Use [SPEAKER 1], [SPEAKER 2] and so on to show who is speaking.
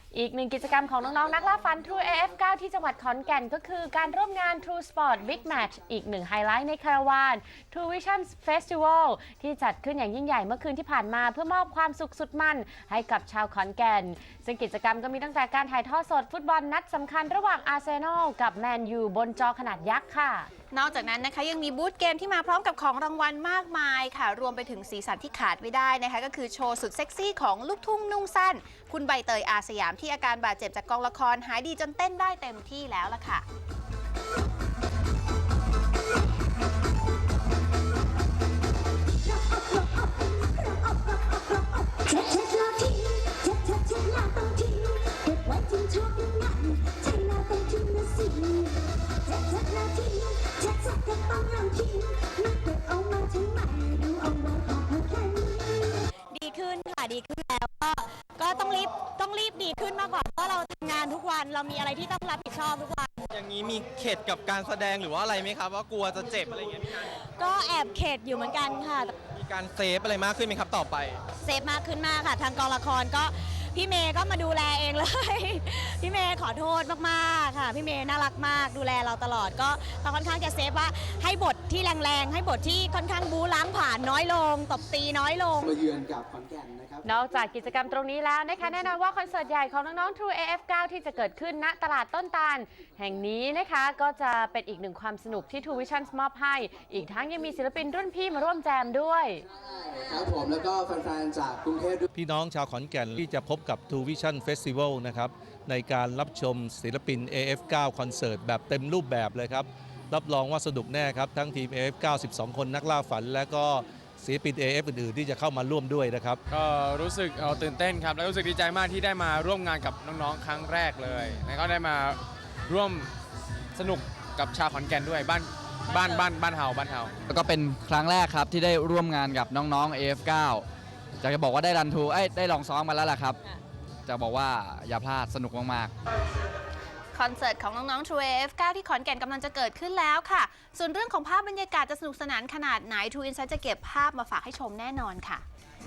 [SPEAKER 1] อีกหนึ่งกิจกรรมของน้องๆนักล่าฟัน True AF9 ที่จังหวัดขอนแก่นก็คือการร่วมงาน True Sport Big Match อีกหนึ่งไฮไลท์ในคาราวาน True Vision Festival ที่จัดขึ้นอย่างยิ่งใหญ่เมื่อคืนที่ผ่านมาเพื่อมอบความสุขสุดมันให้กับชาวขอนแก่นซึ่งกิจกรรมก็มีตั้งแต่การถ่ายทอดสดฟุตบอลนัดสำคัญระหว่างอาร์เซนอลกับแมนยูบนจอขนาดยักษ์ค่ะ
[SPEAKER 2] นอกจากนั้นนะคะยังมีบูธเกมที่มาพร้อมกับของรางวัลมากมายค่ะรวมไปถึงสีสันที่ขาดไม่ได้นะคะก็คือโชว์สุดเซ็กซี่ของลูกทุ่งนุ่งสั้นคุณใบเตยอาสยามที่อาการบาดเจ็บจากกองละครหายดีจนเต้นได้เต็มที่แล้วล่ะค่ะ
[SPEAKER 3] ดีขึ้นค่ะดีขึ้นแล้วก็ต้องรีบดีขึ้นมากกว่าเพราะเราทำงานทุกวันเรามีอะไรที่ต้องรับผิดชอบทุกวัน
[SPEAKER 4] อย่างนี้มีเข็ดกับการแสดงหรือว่าอะไรไหมครับว่ากลัวจะเจ็บอะไรอย่างเงี้ย
[SPEAKER 3] ก็แอบเข็ดอยู่เหมือนกันค่ะ
[SPEAKER 4] มีการเซฟอะไรมากขึ้นไหมครับต่อไป
[SPEAKER 3] เซฟมากขึ้นมากค่ะทางกองละครก็พี่เมย์ก็มาดูแลเองเลยพี่เมย์ขอโทษมากๆค่ะพี่เมย์น่ารักมากดูแลเราตลอดก็ค่อนข้างจะเซฟว่าให้บทที่แรงๆให้บทที่ค่อนข้างบู๊ล้างผ่านน้อยลงตบตีน้อยลง
[SPEAKER 5] มาเยือนกับขอนแก่นนะครับ
[SPEAKER 1] นอกจากกิจกรรมตรงนี้แล้วนะคะแน่นอนว่าคอนเสิร์ตใหญ่ของน้องๆ True AF9 ที่จะเกิดขึ้นณตลาดต้นตาลแห่งนี้นะคะก็จะเป็นอีกหนึ่งความสนุกที่ True Vision มอบให้อีกทั้งยังมีศิลปินรุ่นพี่มาร่วมแจมด้วย
[SPEAKER 5] ครับผมแล้วก็แฟนๆจากกรุงเทพ
[SPEAKER 6] พี่น้องชาวขอนแก่นที่จะพบกับ True Vision Festival นะครับในการรับชมศิลปิน AF9 คอนเสิร์ตแบบเต็มรูปแบบเลยครับรับรองว่าสนุกแน่ครับทั้งทีม AF9 12 คนนักล่าฝันและก็ศิลปิน AF อื่นๆที่จะเข้ามาร่วมด้วยนะครับ
[SPEAKER 7] ก็รู้สึกตื่นเต้นครับแล้วรู้สึกดีใจมากที่ได้มาร่วมงานกับน้องๆครั้งแรกเลยแล้วก็ได้มาร่วมสนุกกับชาวขอนแก่นด้วยบ้านเฮา
[SPEAKER 8] แล้วก็เป็นครั้งแรกครับที่ได้ร่วมงานกับน้องๆ AF9 จะบอกว่าได้รันทูได้ลองซ้อมมาแล้วล่ะครับจะบอกว่าอย่าพลาดสนุกมาก
[SPEAKER 2] ๆคอนเสิร์ตของน้องๆ True AF9 ที่ขอนแก่นกำลังจะเกิดขึ้นแล้วค่ะส่วนเรื่องของภาพบรรยากาศจะสนุกสนานขนาดไหน True Insight จะเก็บภาพมาฝากให้ชมแน่นอนค่ะ